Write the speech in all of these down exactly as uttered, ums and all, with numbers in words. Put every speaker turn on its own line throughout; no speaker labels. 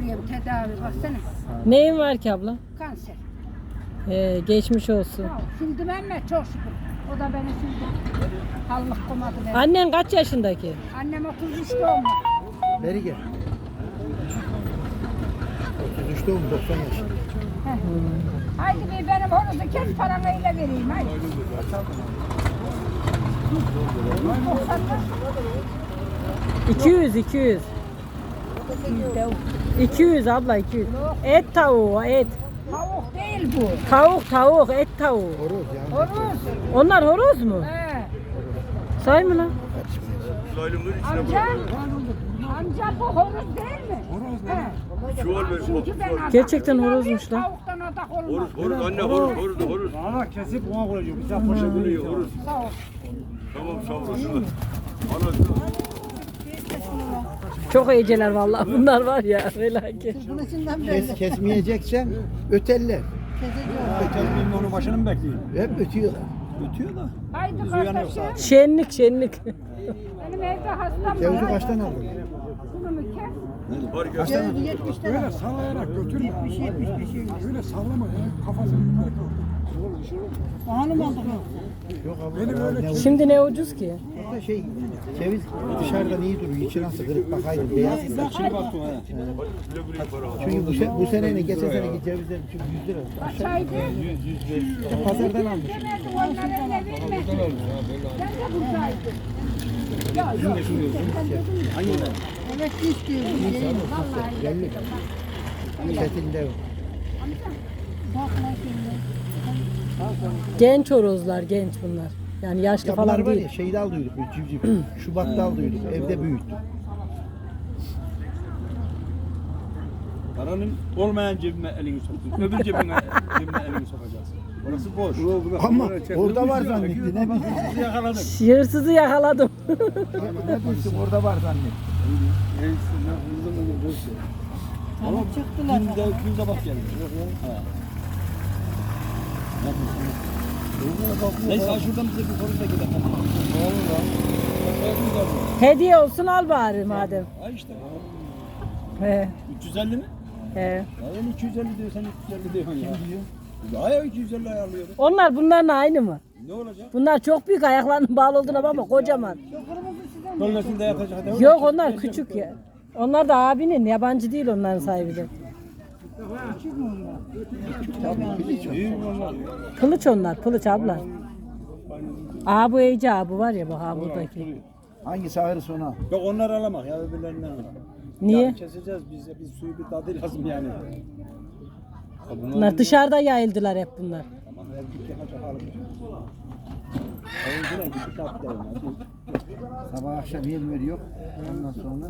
görüyorum tedavi baksana.
Neyin var ki abla?
Kanser.
Ee, geçmiş olsun.
Ya, sildim emme çok şükür. O da beni sildi. Allah komadı beni.
Annen kaç yaşındaki?
Annem otuz üç doğumlu.
Beri gel. otuz üç doğum doksan yaş.
Heh. Haydi bir benim horozu kes paranı ile vereyim haydi. doksanlar.
iki yüz iki yüz. iki yüz abla iki yüz. Et tavuğu et.
Tavuk değil bu.
Tavuk tavuk et tavuğu.
Horoz yani.
Horoz.
Onlar horoz mu?
He.
Say mı lan?
Amca. Amca bu horoz değil mi? Horoz ne?
Çuval ver.
Çünkü ben adam-
Gerçekten horozmuş lan.
Tavuktan adak olmaz.
Horuz, horuz, anne horuz, horuz, horuz.
Ana kesip ona koyacağım. Bir tane poşet veriyor.
Horuz.
Sağ ol.
Tamam, sağ olasın. Ana,
Çok iyiceler vallahi bunlar var ya felaket.
Kes, kesmeyeceksen öteller.
Kesmeyeyim de onun başını mı bekleyeyim?
Hep ötüyorlar.
Ötüyor da.
Haydi kardeşim.
Şenlik şenlik.
Benim evde hastam
Cevizi
var.
kaçtan aldın?
Bunu mu kes?
var gel.
Kaçtan aldın?
Öyle sallayarak götürme. Öyle sallama ya. Kafasını yukarı kaldır.
Yok abi.
Benim öyle
Ne
Şimdi ne ucuz ki?
Burada şey, ceviz dışarıdan iyi duruyor. İçi nasıl kırık bakayım. Beyaz.
Şimdi baktım ha.
Çünkü bu, se bu sene geçen seneki cevizler çünkü yüz lira.
Kaçaydı?
İşte pazardan almış.
Demedim onlara ne bilmedim. Ben de buradaydım. Ya yok. Evet istiyorum. Vallahi.
Belli. Setinde o.
Genç horozlar genç bunlar. Yani yaşlı
Ya bunlar
falan
var
değil.
ya şeyde aldıydık böyle civciv. Şubat'ta aldıydık. Evde büyüttük.
Paranın olmayan cebime elini soktun. Öbür cebine cebine elini sokacaksın. Orası boş.
Ama orada var zannetti. Ne bileyim.
Sizi yakaladım.
Hırsızı yakaladım.
Ne bilsin orada var zannetti.
Tamam çıktılar. Günde günde bak geldi. Ha. Neyse şuradan bize bir polis de gidelim.
Hediye olsun al bari madem.
Ay işte.
He,
üç yüz elli mi?
he.
Ya ben iki yüz elli diyor sen üç yüz elli diyorsun ya. Kim diyor? Ya ya iki yüz elli ayarlıyorum.
Onlar bunlarla aynı mı?
Ne olacak?
Bunlar çok büyük ayaklarının bağlı olduğuna bakma kocaman.
Dollosunda yatacak. hadi.
Yok onlar küçük ya. Onlar da abinin yabancı değil onların sahibi de.
İyi onlar.
Kılıç onlar kılıç abla. Aa bu Ece abi var ya bak ha buradaki.
Hangisi ağrısı ona?
Yok onlar alamak ya öbürlerinden alamak.
Niye?
Yani keseceğiz biz de biz suyu bir tadı lazım yani. Ya
Bunlar dışarıda yayıldılar hep bunlar.
Tamam her git yakacak halim. Oyuncuna gidip tat derim.
Sabah akşam yem veriyor. Ondan sonra.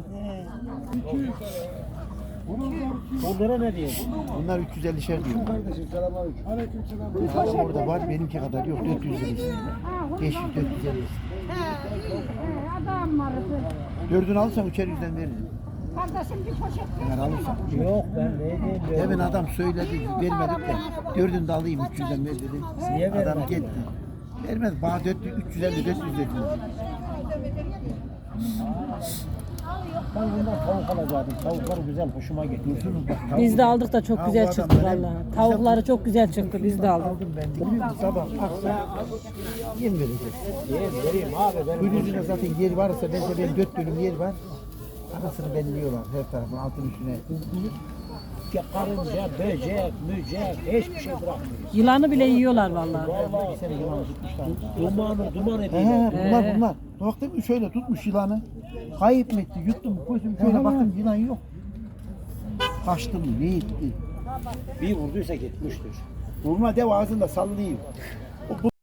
Onlara ne diyeyim?
Bunlar üç yüz ellişer diyor.
Kardeşim selamünaleyküm. Aleykümselam.
Adam orada var benimki kadar yok. dört yüz lira istiyor. beş yüz dört yüz elli istiyor.
He, adam vardı.
Dördünü alırsan üçer yüzden veririm.
Kardeşim bir poşet ver.
Eğer alırsan.
Yok ben ne diyeyim.
Demin adam söyledi vermedik de. Dördünü de alayım üç yüzden ver dedim. Adam gitti. Vermez. Bana üç yüz elli dört yüz dedim.
Ben bundan tavuk alacaktım. Tavuklar güzel, hoşuma gitti.
Biz de aldık da çok
Ha,
güzel
bu
çıktı
adamlar hep-
vallahi. Tavukları çok güzel çıktı biz de aldık.
Aldım ben de. Biliyor musun sabah akşam yem verecek.
Yem vereyim abi. Benim
Gülüzüne zaten yer varsa bence benim dört bölüm yer var. Arasını belliyorlar her tarafın altın üstüne.
karınca, böcek, mücek, hiçbir şey bırakmıyor.
Yılanı bile yiyorlar vallahi.
Bir sene yılan tutmuşlar.
Dumanı, duman
He
ediyor.
he bunlar bunlar. Baktım şöyle tutmuş yılanı. Kayıp mı etti? Yuttum koydum şöyle baktım yılan yok. Kaçtı mı? Ne etti?
Bir vurduysa gitmiştir.
Vurma dev ağzında sallıyor.